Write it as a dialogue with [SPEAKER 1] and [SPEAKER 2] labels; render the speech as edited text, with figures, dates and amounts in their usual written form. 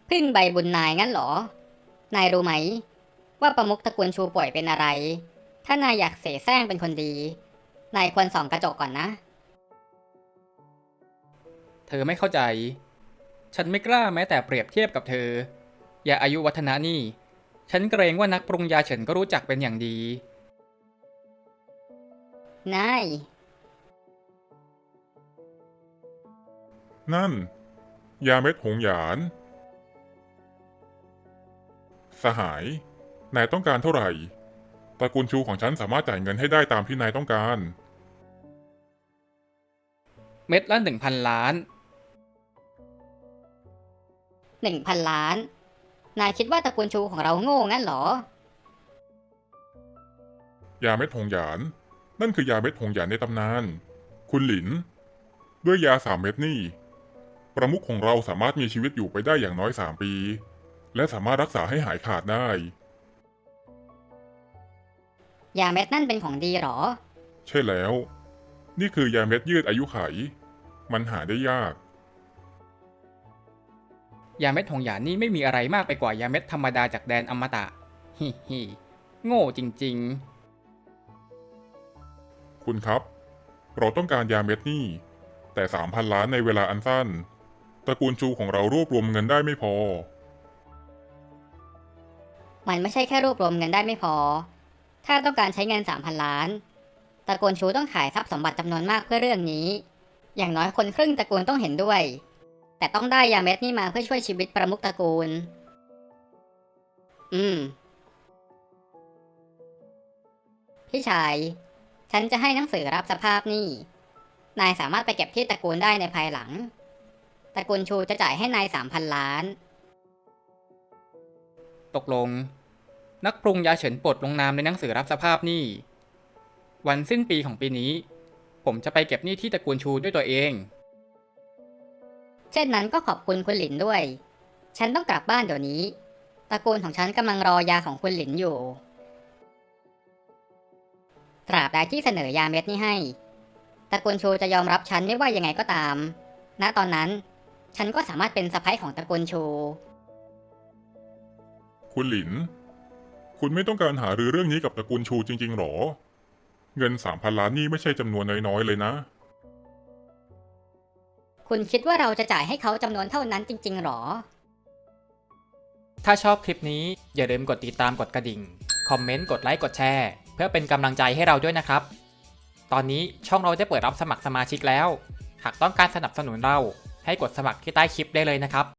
[SPEAKER 1] พึ่งใบบุญนายงั้นเหรอนายรู้ไหมว่าประมุขตระกูลชูป่วยเป็นอะไรถ้านายอยากเสแสร้งเป็นคนดีนายควรส่องกระจกก่อนนะ
[SPEAKER 2] เธอไม่เข้าใจฉันไม่กล้าแม้แต่เปรียบเทียบกับเธออย่าอายุวัฒนะนี่ฉันเกรงว่านักปรุงยาเฉินก็รู้จักเป็นอย่างดี
[SPEAKER 1] นาย
[SPEAKER 3] นั่นยาเม็ดหงหยาน สหายนายต้องการเท่าไหร่ตระกูลชูของฉันสามารถจ่ายเงินให้ได้ตามที่นายต้องการ
[SPEAKER 2] เม็ดละ1,000 ล้าน
[SPEAKER 1] 1,000 ล้านนายคิดว่าตระกูลชูของเราโง่งั้นเหรอ
[SPEAKER 3] ยาเม็ดหงหยานนั่นคือยาเม็ดหงหยานในตำนานคุณหลินด้วยยา3 เม็ดนี่ประมุขของเราสามารถมีชีวิตอยู่ไปได้อย่างน้อย3 ปีและสามารถรักษาให้หายขาดได้
[SPEAKER 1] ยาเม็ดนั่นเป็นของดีเหรอ
[SPEAKER 3] ใช่แล้วนี่คือยาเม็ดยืดอายุไขมันหาได้ยาก
[SPEAKER 2] ยาเม็ดหงหยานนี่ไม่มีอะไรมากไปกว่ายาเม็ดธรรมดาจากแดนอมตะฮิฮิโง่จริง
[SPEAKER 3] คุณครับเราต้องการยาเม็ดนี่แต่ 3,000 ล้านในเวลาอันสั้นตระกูลชูของเรารวบรวมเงินได้ไม่พอ
[SPEAKER 1] มันไม่ใช่แค่รวบรวมเงินได้ไม่พอ ถ้าต้องการใช้เงิน 3,000 ล้านตระกูลชูต้องขายทรัพย์สมบัติจำนวนมากเพื่อเรื่องนี้ อย่างน้อยคนครึ่งตระกูลต้องเห็นด้วย แต่ต้องได้ยาเม็ดนี่มาเพื่อช่วยชีวิตประมุขตระกูล พี่ชาย ฉันจะให้หนังสือรับสภาพหนี้นายสามารถไปเก็บที่ตระกูลได้ในภายหลัง ตระกูลชูจะจ่ายให้นาย 3,000 ล้าน
[SPEAKER 2] ๆตกลงนักปรุงยาเฉินปลดลงนามในหนังสือรับสภาพหนี้วันสิ้นปีของปีนี้ผมจะไปเก็บหนี้ที่ตระกูลชูด้วยตัวเอง
[SPEAKER 1] เช่นนั้นก็ขอบคุณคุณหลินด้วย ฉันต้องกลับบ้านเดี๋ยวนี้ ตระกูลของฉันกำลังรอยาของคุณหลินอยู่ ตราบใดที่เสนอยาเม็ดนี้ให้ ตระกูลชูจะยอมรับฉันไม่ว่ายังไงก็ตาม ณ ตอนนั้น ฉันก็สามารถเป็นสะใภ้ของตระกูลชู
[SPEAKER 3] คุณหลินคุณไม่ต้องการหารือเรื่องนี้กับตระกูลชูจริงๆหรอเงิน 3,000 ล้านนี่ไม่ใช่จำนวนน้อยๆเลยนะ
[SPEAKER 1] คุณคิดว่าเราจะจ่ายให้เขาจำนวนเท่านั้นจริงๆหรอ
[SPEAKER 2] ถ้าชอบคลิปนี้อย่าลืมกดติดตามกดกระดิ่งคอมเมนต์กดไลค์กดแชร์เพื่อเป็นกำลังใจให้เราด้วยนะครับตอนนี้ช่องเราได้เปิดรับสมัครสมาชิกแล้วหากต้องการสนับสนุนเราให้กดสมัครที่ใต้คลิปได้เลยนะครับ